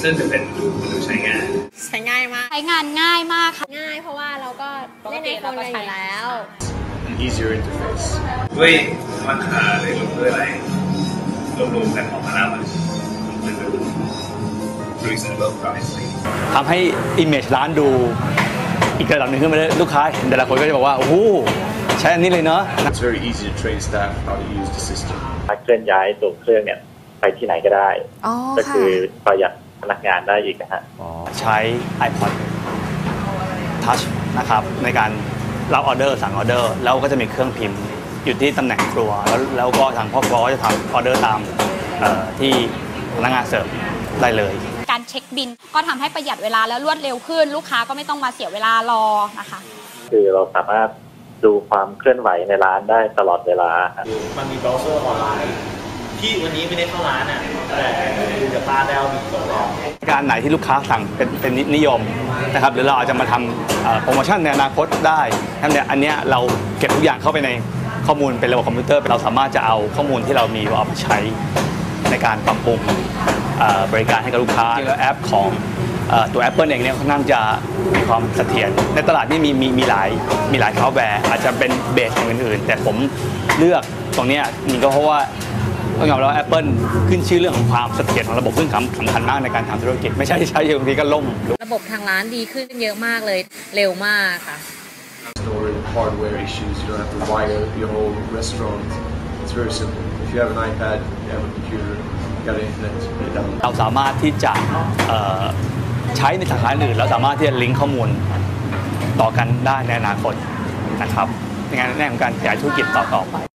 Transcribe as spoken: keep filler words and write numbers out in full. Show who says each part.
Speaker 1: ซึ่งจะเป็นดูใช้งาน
Speaker 2: ใช้ง่ายมาก
Speaker 3: ใช้งานง่ายมากค่ะ
Speaker 2: ง่ายเพราะว่าเราก็เล่นในโฟนกันอยู่แล้ว
Speaker 1: easier interface ด้วยราคาเลยรวมด้วยอะไรรวมๆกันออกมาแล้วมันเป็นแบบ reasonable price
Speaker 4: ทำให้ image ร้านดูอีกระดับหนึ่งขึ้นมาเลยลูกค้าเห็นแต่ละคนก็จะบอกว่าโอ้โหใช้อันนี้เลยเนาะ
Speaker 1: It's very easy to train staff how to use the system
Speaker 5: เคลื่อนย้ายตัวเครื่องเนี่ยไปที่ไหนก็ได้ก็คือประหยัดพนักงานได้อีกนะฮะ
Speaker 4: ใช้ iPod Touch นะครับในการรับออเดอร์สั่งออเดอร์แล้วก็จะมีเครื่องพิมพ์อยู่ที่ตำแหน่งครัวแล้วแล้วก็ทางพ่อครัวก็จะทำออเดอร์ตามที่พนักงานเสิร์ฟได้เลย
Speaker 3: การเช็คบิลก็ทำให้ประหยัดเวลาและรวดเร็วขึ้นลูกค้าก็ไม่ต้องมาเสียเวลารอนะคะ
Speaker 5: คือเราสามารถดูความเคลื่อนไหวในร้านได้ตลอดเวลา
Speaker 6: มันมีเบราว์เซอร์ออนไลน์ที่วันนี้ไม่ได้เข้าร้านอ่ะแต่ดูจากป้าได้เอาบิลตัวรอง
Speaker 4: การไหนที่ลูกค้าสั่งเป็นเป็นนิยมนะครับหรือเราอาจจะมาทำโปรโมชั่นในอนาคตได้ทั้งนี้อันนี้เราเก็บทุกอย่างเข้าไปในข้อมูลเป็นระบบคอมพิวเตอร์เราสามารถจะเอาข้อมูลที่เรามีเอาไปใช้ในการปรับปรุงบริการให้กับลูกค้าแล้วแอปของตัว Apple เองเนี่ยค่อนข้างจะมีความเสถียรในตลาดนี่มีมีมีหลายมีหลายซอฟต์แวร์อาจจะเป็นเบสอย่างอื่นๆแต่ผมเลือกตรงนี้นี่ก็เพราะว่าต้องยอมรับว่า Apple ขึ้นชื่อเรื่องของความเสถียรของระบบซึ่งสำคัญมากในการทำธุรกิจไม่ใช่ใช้บางทีก็ล่ม
Speaker 2: ระบบทางร้านดีขึ้นเยอะมากเลยเร็วมากค่ะ
Speaker 1: hardware issues you don't have to wire your whole restaurant it's very simple if you have an iPad you have a computer you got internet
Speaker 4: เราสามารถที่จะใช้ในสาขาอื่นแล้วสามารถที่จะลิงก์ข้อมูลต่อกันได้ในอนาคตนะครับในงานแน่ของการขยายธุรกิจต่อๆไป